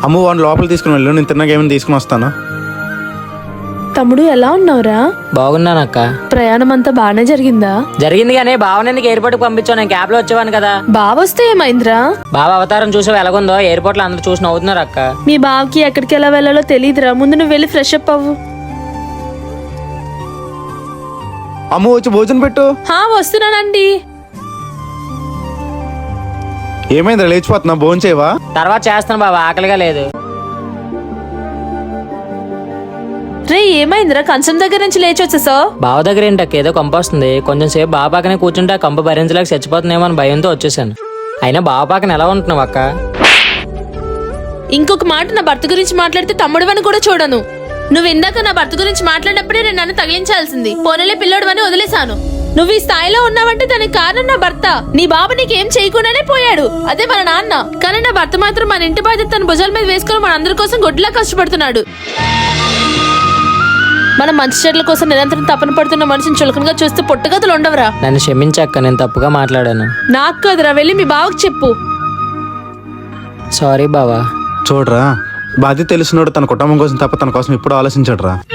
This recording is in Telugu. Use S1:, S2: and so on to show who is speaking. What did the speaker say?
S1: అమ్మ వాడిని లోపల తీసుకుని వెళ్ళు, నేను తిన్నాక ఏమైనా తీసుకుని వస్తాను.
S2: తమ్ముడు ఎలా ఉన్నావురా?
S3: బాగున్నానక్క.
S2: ప్రయాణం అంతా బాగానే జరిగిందా?
S3: జరిగింది కానీ బావనెందుకు ఎయిర్పోర్ట్ కి పంపించావు? నేను క్యాబ్ లో వచ్చేవాను కదా.
S2: బావొస్తే ఏమైందిరా?
S3: బావ అవతారం చూసావు ఎలాగుందో? ఎయిర్పోర్ట్ లో అందరూ చూసి నవ్వుతున్నారు అక్క.
S2: మీ బావకి ఎక్కడికి ఎలా వెళ్ళాలో తెలియదురా. ముందు నువ్వు వెళ్ళి ఫ్రెష్ అప్ అవ్వు.
S1: అమ్మ వచ్చి భోజనం పెట్టు.
S2: వస్తున్నానండి.
S1: ఏమైందిరా లేచిపోతున్నా? భోజనం చేయవా?
S3: తర్వాత చేస్తాను బావ, ఆకలిగా లేదు.
S2: రే ఏమైందిరా? కంచం దగ్గర నుంచి లేచి వచ్చేసావు.
S3: బావ దగ్గర ఏంటక్క ఏదో కంప వస్తుంది. కొంచెం సేపు బావ పక్కనే కూర్చుంటే ఆ కంప భరించలేక చచ్చిపోతుందేమో అని భయంతో వచ్చేసాను. అయినా బావ పక్కన ఎలా ఉంటున్నావు అక్క?
S2: ఇంకొక మాట నా భర్త గురించి మాట్లాడితే తమ్ముడువని కూడా చూడను. నువ్వు ఇందాక నా భర్త గురించి మాట్లాడినప్పుడే నేను నన్ను తగిలించాల్సింది. పోనలే పిల్లోడువని వదిలేశాను. నువ్వు ఈ స్థాయిలో ఉన్నావంటే దానికి కారణం నా భర్త. నీ బాబు నీకేం చేయకుండానే పోయాడు, అదే మన నాన్న. కానీ నా భర్త మాత్రం మన ఇంటి బాధ్యత తన భుజాల మీద వేసుకుని మన అందరి కోసం గొడ్లా కష్టపడుతున్నాడు. మనం మంచి చెట్ల కోసం నిరంతరం తపన పడుతున్న మనిషిని చులకనగా చూస్తే పుట్టగతులు ఉండవరా?
S3: నన్ను క్షమించక్క, నేను తప్పుగా మాట్లాడాను.
S2: నాకు కదరా, వెళ్ళి మీ బావకు చెప్పు.
S3: సారీ బావా.
S1: చూడరా, బాధ్యత తెలిసినోడు తన కుటుంబం కోసం తప్ప తన కోసం ఇప్పుడు ఆలోచించడురా.